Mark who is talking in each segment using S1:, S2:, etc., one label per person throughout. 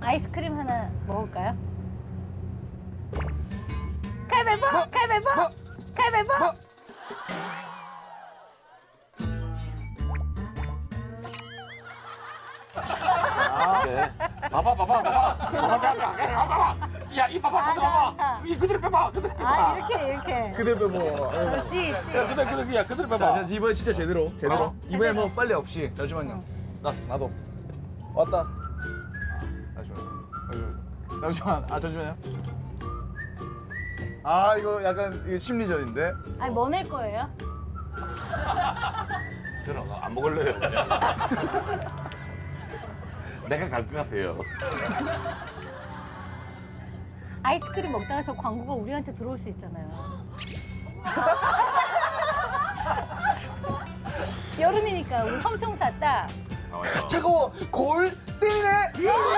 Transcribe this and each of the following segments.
S1: 아이스크림 하나 먹을까요? 가위바위보! 가위바위보! 가위바위보!
S2: 네. 봐봐. 야, 이 봐봐, 저도 봐봐. 이 그대로 빼봐, 그대로 빼봐.
S1: 아, 이렇게.
S3: 그대로 빼고.
S1: 그렇지,
S2: 야,
S1: 그렇지.
S2: 그대로
S3: 자,
S2: 빼봐.
S3: 이번에 진짜 제대로.
S2: 어.
S3: 이번에 뭐 빨리 없이. 잠시만요. 나도. 왔다. 잠시만. 잠시만요. 아, 이거 약간 이거 심리전인데.
S1: 아니, 뭐 낼 거예요?
S2: 저는 안 먹을래요. 그냥. 내가 갈 것 같아요.
S1: 아이스크림 먹다가 저 광고가 우리한테 들어올 수 있잖아요. 여름이니까 우리 섬총 샀다.
S2: 나와요.
S3: 차가워. 골 뛰네.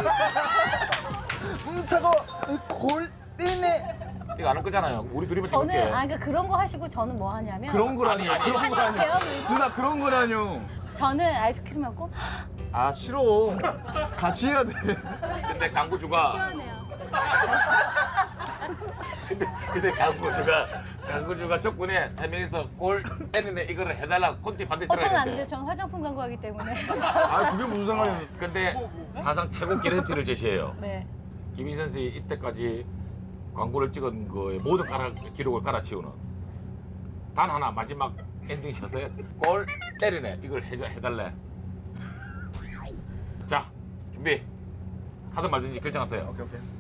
S3: 차가워. 골 뛰네.
S2: 이거 안 할 거잖아요. 우리 둘이만
S1: 저는
S2: 찍을게.
S1: 그러니까 그런 거 하시고 저는 뭐 하냐면
S3: 그런 거라뇨.
S2: 아니,
S3: 그런
S1: 아니,
S3: 거라뇨.
S1: 아니에요, 그리고?
S3: 누나 그런 거라뇨.
S1: 저는 아이스크림 먹고
S3: 아, 싫어. 같이 해야 돼.
S2: 근데 강구주가
S1: 시원해요.
S2: 근데 강구주가 조건에 세 명이서 골 때리네 이거를 해달라 콘티 반대
S1: 저는
S2: 들어야
S1: 안 돼요.
S2: 되는데.
S1: 전 화장품 광고하기 때문에.
S3: 아, 그게 무슨 상관이야.
S2: 근데 사상 최고 기레티를 제시해요.
S1: 네.
S2: 김희 선수이 이때까지 광고를 찍은 거에 모든 기록을 갈아치우는 단 하나 마지막 엔딩 샷에 골 때리네 이걸 해달래. 자 준비 하든 말든지 결정하세요.
S3: 오케이, 오케이.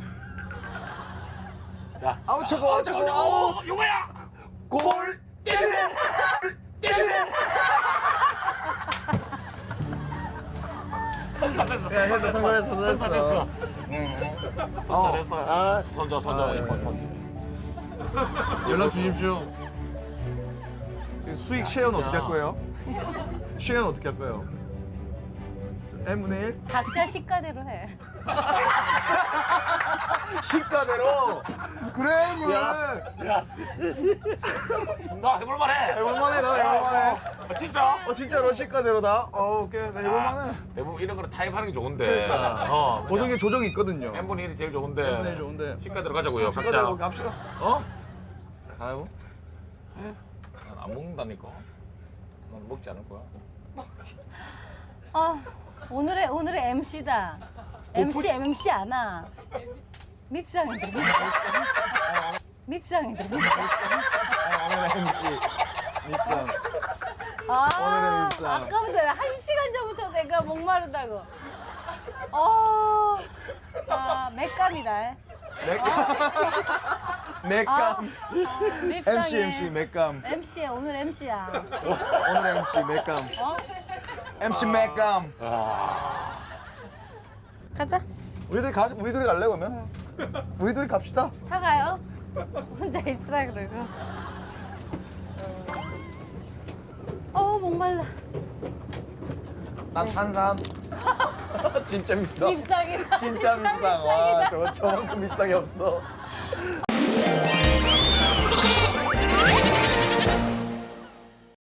S2: 자
S3: 아우, 차가워. 차가워.
S2: 요거야 골 때리네 때리네. 선사됐어.
S3: 야, 했어, 선사됐어.
S2: 선사됐어. 선사됐어.
S3: 아.
S2: 손줘
S3: 아, 예. 연락 주십시오. 수익 쉐어는
S2: 진짜.
S3: 어떻게 할 거예요? 쉐어는 어떻게 할 거예요? n분의 1?
S1: 각자 시가대로 해.
S3: 시가대로? 그래, 그래.
S2: 야, 나 해볼만해.
S3: 해볼만해, 나 해볼만해.
S2: 진짜?
S3: 진짜로 시가대로다? 오케이, 나 해볼만해.
S2: 대부분 이런 거는 타입하는 게 좋은데.
S3: 그러니까. 모든 게 조정이 있거든요.
S2: n분의 1이 제일 좋은데.
S3: n분의 1 좋은데.
S2: 시가 들어가자고요.
S3: 시가대로
S2: 각자.
S3: 갑시다.
S2: 어?
S3: 가요.
S2: 난 안 먹는다니까. 난 먹지 않을 거야.
S1: 아, 오늘의 MC다. MC 안아. 밉상이다. 밉상이다.
S3: 오늘의 MC. 믹상.
S1: 아,
S3: 오늘의 밉상.
S1: 아까부터 1시간 전부터 내가 목마르다고. 맥감이다.
S3: 맥감.
S1: 밉상해.
S3: MC, 맥감.
S1: MC야, 오늘 MC야.
S3: 오늘의 MC, 맥감.
S1: 어?
S3: MC 맥감.
S1: 가자.
S3: 우리들이 갈래, 그러면? 우리들이 갑시다.
S1: 다 가요. 혼자 있으라 그러고. 목말라.
S3: 난 탄산. 진짜 밉상.
S1: 밉상이다.
S3: 진짜 밉상. 와, 저만큼 밉상이 없어.